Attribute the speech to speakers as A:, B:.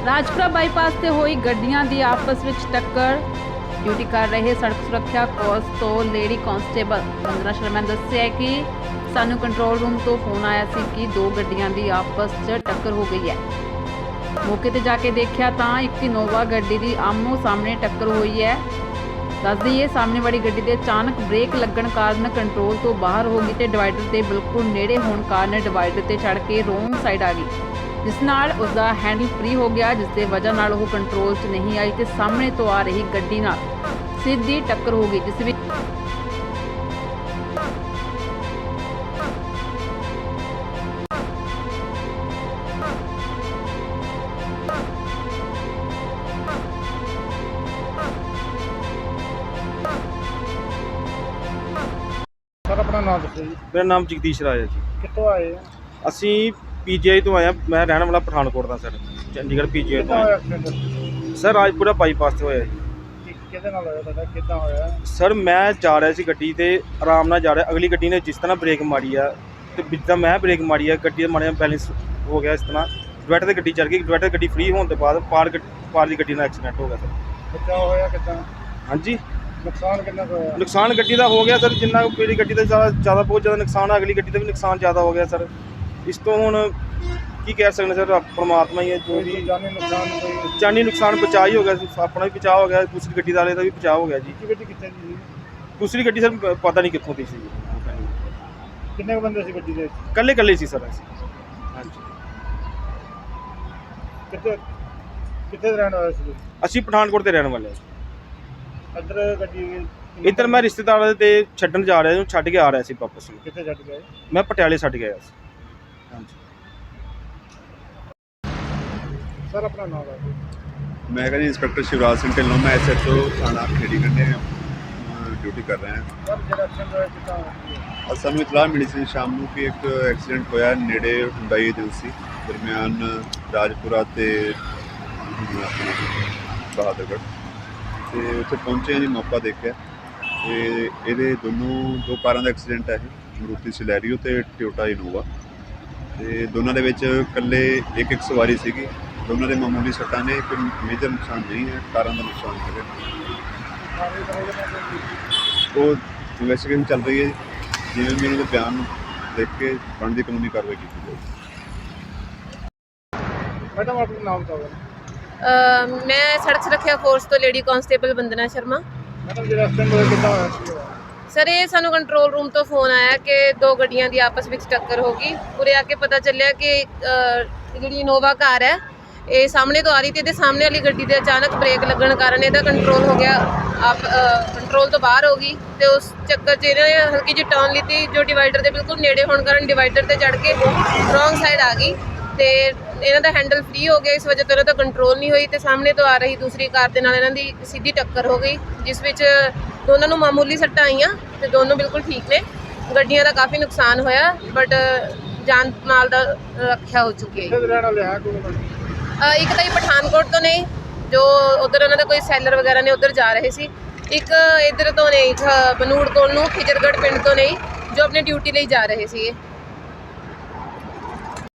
A: Rajpura bypass ਤੇ ਹੋਈ ਗੱਡੀਆਂ ਦੀ ਆਪਸ ਵਿੱਚ ਟੱਕਰ। ਡਿਊਟੀ ਕਰ ਰਹੇ ਸੜਕ ਸੁਰੱਖਿਆ ਕੋਰਸ ਤੋਂ ਲੇਡੀ ਕਾਂਸਟੇਬਲ ਵੰਦਨਾ ਸ਼ਰਮਾ ਨੇ ਦੱਸਿਆ ਕਿ ਸਾਨੂੰ ਕੰਟਰੋਲ ਰੂਮ ਤੋਂ ਫੋਨ ਆਇਆ ਸੀ ਕਿ ਦੋ ਗੱਡੀਆਂ ਦੀ ਆਪਸ 'ਚ ਟੱਕਰ ਹੋ ਗਈ ਹੈ। ਮੌਕੇ ਤੇ ਜਾ ਕੇ ਦੇਖਿਆ ਤਾਂ ਇੱਕ ਇਨੋਵਾ ਗੱਡੀ ਦੀ ਆਮੋ ਸਾਹਮਣੇ ਟੱਕਰ ਹੋਈ ਹੈ। ਦੱਸ ਦਈਏ ਸਾਹਮਣੇ ਵਾਲੀ ਗੱਡੀ ਦੇ ਅਚਾਨਕ ਬ੍ਰੇਕ ਲੱਗਣ ਕਾਰਨ ਕੰਟਰੋਲ ਤੋਂ ਬਾਹਰ ਹੋ ਗਈ ਤੇ ਡਿਵਾਈਡਰ ਦੇ ਬਿਲਕੁਲ ਨੇੜੇ ਹੋਣ ਕਾਰਨ ਡਿਵਾਈਡਰ ਤੇ ਚੜ੍ਹ ਕੇ ਰੋਂਗ ਸਾਈਡ ਆ ਗਈ, ਜਿਸ ਨਾਲ ਉਸ ਦਾ ਹੈਂਡਲ ਫ੍ਰੀ ਹੋ ਗਿਆ, ਜਿਸ ਦੇ ਵਜ੍ਹਾ ਨਾਲ ਉਹ ਕੰਟਰੋਲ 'ਚ ਨਹੀਂ ਆਈ ਤੇ ਸਾਹਮਣੇ ਤੋਂ ਆ ਰਹੀ ਗੱਡੀ ਨਾਲ ਸਿੱਧੀ ਟੱਕਰ ਹੋ ਗਈ, ਜਿਸ ਵਿੱਚ
B: सर अपना नाम दसो जी।
C: मेरा नाम जगदीश राज है जी।
B: कितों आए हैं?
C: ਅਸੀਂ ਪੀਜੀਆਈ ਤੋਂ ਆਏ ਹਾਂ। ਮੈਂ ਰਹਿਣ ਵਾਲਾ ਪਠਾਨਕੋਟ ਦਾ ਸਰ, ਚੰਡੀਗੜ੍ਹ ਪੀਜੀਆਈ ਤੋਂ
B: कितना
C: ਆਇਆ।
B: होया एक्सीडेंट?
C: ਸਰ ਰਾਜਪੁਰਾ ਬਾਈਪਾਸ ਤੇ ਹੋਇਆ ਜੀ।
B: किहदे नाल होया तुहाडा? किद्दां होया?
C: ਸਰ ਮੈਂ ਜਾ ਰਿਹਾ ਸੀ ਗੱਡੀ ਤੇ ਆਰਾਮ ਨਾਲ ਜਾ ਰਿਹਾ, ਅਗਲੀ ਗੱਡੀ ਨੇ ਜਿਸ ਤਰ੍ਹਾਂ ਬ੍ਰੇਕ ਮਾਰੀ ਆ ਤੇ ਜਿੱਦਾਂ ਮੈਂ ਬ੍ਰੇਕ ਮਾਰੀ ਆ, ਗੱਡੀ ਦਾ ਮਾੜਾ ਜਿਹਾ ਬੈਲੈਂਸ ਹੋ ਗਿਆ, ਇਸ ਤਰ੍ਹਾਂ ਡਿਵਾਈਡਰ ਤੇ ਗੱਡੀ ਚੜ ਗਈ। ਡਿਵਾਈਡਰ ਗੱਡੀ ਫ੍ਰੀ ਹੋਣ ਤੋਂ ਬਾਅਦ ਪਾਰ ਦੀ ਗੱਡੀ ਨਾਲ ਐਕਸੀਡੈਂਟ ਹੋ ਗਿਆ ਸਰ।
B: बचाव होया किद्दां?
C: ਹਾਂਜੀ,
B: नुकसान कितना कुछ होया?
C: ਨੁਕਸਾਨ ਗੱਡੀ ਦਾ ਹੋ ਗਿਆ ਸਰ, ਜਿੰਨਾ ਮੇਰੀ ਗੱਡੀ ਦਾ ਜ਼ਿਆਦਾ ਬਹੁਤ ਜ਼ਿਆਦਾ ਨੁਕਸਾਨ ਆ, ਅਗਲੀ ਗੱਡੀ ਦਾ ਵੀ ਨੁਕਸਾਨ ਜ਼ਿਆਦਾ ਹੋ ਗਿਆ ਸਰ। ਇਸ ਤੋਂ ਹੁਣ ਕੀ ਕਹਿ ਸਕਦੇ ਸਰ, ਪਰਮਾਤਮਾ ਹੀ ਹੈ ਜੋ ਵੀ।
B: कोई जानी नुकसान कोई?
C: ਜਾਨੀ ਨੁਕਸਾਨ ਬਚਾ ਹੀ ਹੋ ਗਿਆ, ਆਪਣਾ ਵੀ ਬਚਾਅ ਹੋ ਗਿਆ, ਦੂਸਰੀ ਗੱਡੀ ਵਾਲੇ ਦਾ ਵੀ ਬਚਾਅ ਹੋ ਗਿਆ ਜੀ।
B: की गड्डी कित्थे दी?
C: ਦੂਸਰੀ ਗੱਡੀ ਸਰ ਪਤਾ ਨਹੀਂ ਕਿੱਥੋਂ ਦੀ ਸੀ,
B: किन्ने क बंदे सी गड्डी दे?
C: ਕੱਲੇ ਸੀ ਸਰ ਅਸੀਂ। ਹਾਂਜੀ,
B: कित्थे कित्थे रहने वाले सी?
C: ਅਸੀਂ ਪਠਾਨਕੋਟ ਦੇ ਰਹਿਣ ਵਾਲੇ ਹਾਂ।
B: इधर गड्डी
C: ਇੱਧਰ ਮੈਂ ਰਿਸ਼ਤੇਦਾਰਾਂ ਦੇ ਛੱਡਣ ਜਾ ਰਿਹਾ, ਛੱਡ ਕੇ ਆ ਰਿਹਾ ਸੀ ਵਾਪਸ ਨੂੰ।
B: कित्थे छड्ड गए?
C: ਮੈਂ ਪਟਿਆਲੇ ਛੱਡ ਗਿਆ ਸੀ। ਹਾਂਜੀ
B: सर अपना नाम है?
D: मैं जी इंस्पेक्टर शिवराज सिंह ढिल्लों, मैं SHO थाना खेड़ी कंढे ड्यूटी कर रहे हैं।
B: सर जेड़ा एक्सीडेंट होया किद्दां होया?
D: और सानू इतला मिली सी शाम ਨੂੰ कि एक एक्सीडेंट होया नेड़े हुंडई एजेंसी दरमियान राजपुरा ते अपने बहादुरगढ़ ਤੇ ਉੱਥੇ ਪਹੁੰਚੇ ਜੀ, ਮੌਕਾ ਦੇਖਿਆ ਤੇ ਇਹਦੇ ਦੋ ਕਾਰਾਂ ਦਾ ਐਕਸੀਡੈਂਟ ਹੈ, ਮਰੂਤੀ ਸਿਲੈਰੀਓ ਤੇ ਟੋਯੋਟਾ ਇਨੋਵਾ। ਤੇ ਦੋਨਾਂ ਦੇ ਵਿੱਚ ਇਕੱਲੇ ਇੱਕ ਸਵਾਰੀ ਸੀਗੀ। ਦੋਨਾਂ ਦੇ ਮਾਮੂਲੀ ਸੱਟਾਂ ਨੇ, ਕੋਈ ਮੇਜਰ ਨੁਕਸਾਨ ਨਹੀਂ ਹੈ, ਕਾਰਾਂ ਦਾ ਨੁਕਸਾਨ ਹੈਗਾ। ਉਹ ਇਨਵੈਸਟੀਗੇਸ਼ਨ ਚੱਲ ਰਹੀ ਹੈ, ਜਿਵੇਂ ਵੀ ਉਹਨਾਂ ਦੇ ਬਿਆਨ ਦੇਖ ਕੇ ਬਣਦੀ ਕਾਨੂੰਨੀ ਕਾਰਵਾਈ ਕੀਤੀ ਜਾਵੇਗੀ।
B: मैडम अपना नाम बताओ।
E: मैं सड़क सुरक्षा फोर्स तो lady constable Vandana Sharma.
B: Madam जेड़ा एक्सीडेंट होया किद्दां होया?
E: सर ये सानू कंट्रोल रूम तो फोन आया कि दो गड्डियां दी आपस में टक्कर हो गई। पूरे आके पता चलिया कि जी इनोवा कार है, ये सामने तो आ रही थी ते सामने वाली गड्डी दे अचानक ब्रेक लगन कारण ਇਹਦਾ कंट्रोल हो गया, आप कंट्रोल तो बाहर हो गई ਤੇ ਉਸ ਚੱਕਰ 'ਚ ਇਹਨੇ ਹਲਕੀ ਜਿਹੀ ਟਰਨ ਲਿੱਤੀ, ਜੋ ਡਿਵਾਈਡਰ ਦੇ ਬਿਲਕੁਲ ਨੇੜੇ ਹੋਣ ਕਾਰਨ ਡਿਵਾਈਡਰ ਤੇ ਚੜ ਕੇ ਰੋਂਗ ਸਾਈਡ ਆ ਗਈ ਤੇ ਇਹਨਾਂ ਦਾ ਹੈਂਡਲ ਫ੍ਰੀ ਹੋ ਗਿਆ। ਇਸ ਵਜ੍ਹਾ ਤੋਂ ਇਹਨਾਂ ਦਾ ਕੰਟਰੋਲ ਨਹੀਂ ਹੋਈ ਤੇ ਸਾਹਮਣੇ ਤੋਂ ਆ ਰਹੀ ਦੂਸਰੀ ਕਾਰ ਦੇ ਨਾਲ ਇਹਨਾਂ ਦੀ ਸਿੱਧੀ ਟੱਕਰ ਹੋ ਗਈ, ਜਿਸ ਵਿੱਚ ਦੋਨਾਂ ਨੂੰ ਮਾਮੂਲੀ ਸੱਟਾਂ ਆਈਆਂ ਤੇ ਦੋਨੋਂ ਬਿਲਕੁਲ ਠੀਕ ਨੇ। ਗੱਡੀਆਂ ਦਾ ਕਾਫੀ ਨੁਕਸਾਨ ਹੋਇਆ, ਬਟ ਜਾਨ ਮਾਲ ਦਾ ਰੱਖਿਆ ਹੋ ਚੁੱਕੀ ਹੈ।
B: कित्थे रहने वाले हैं कोई?
E: ਇੱਕ ਤਾਂ ਹੀ ਪਠਾਨਕੋਟ ਤੋਂ ਨੇ, ਜੋ ਉਧਰ ਉਹਨਾਂ ਦਾ ਕੋਈ ਸੈਲਰ ਵਗੈਰਾ ਨੇ, ਉਧਰ ਜਾ ਰਹੇ ਸੀ। ਇੱਕ ਇੱਧਰ ਤੋਂ ਨੇ, ਬਨੂੜ ਕੋਲ ਨੂੰ ਖਿਜਰਗੜ੍ਹ ਪਿੰਡ ਤੋਂ ਨੇ, ਜੋ ਆਪਣੀ ਡਿਊਟੀ ਲਈ ਜਾ ਰਹੇ ਸੀ।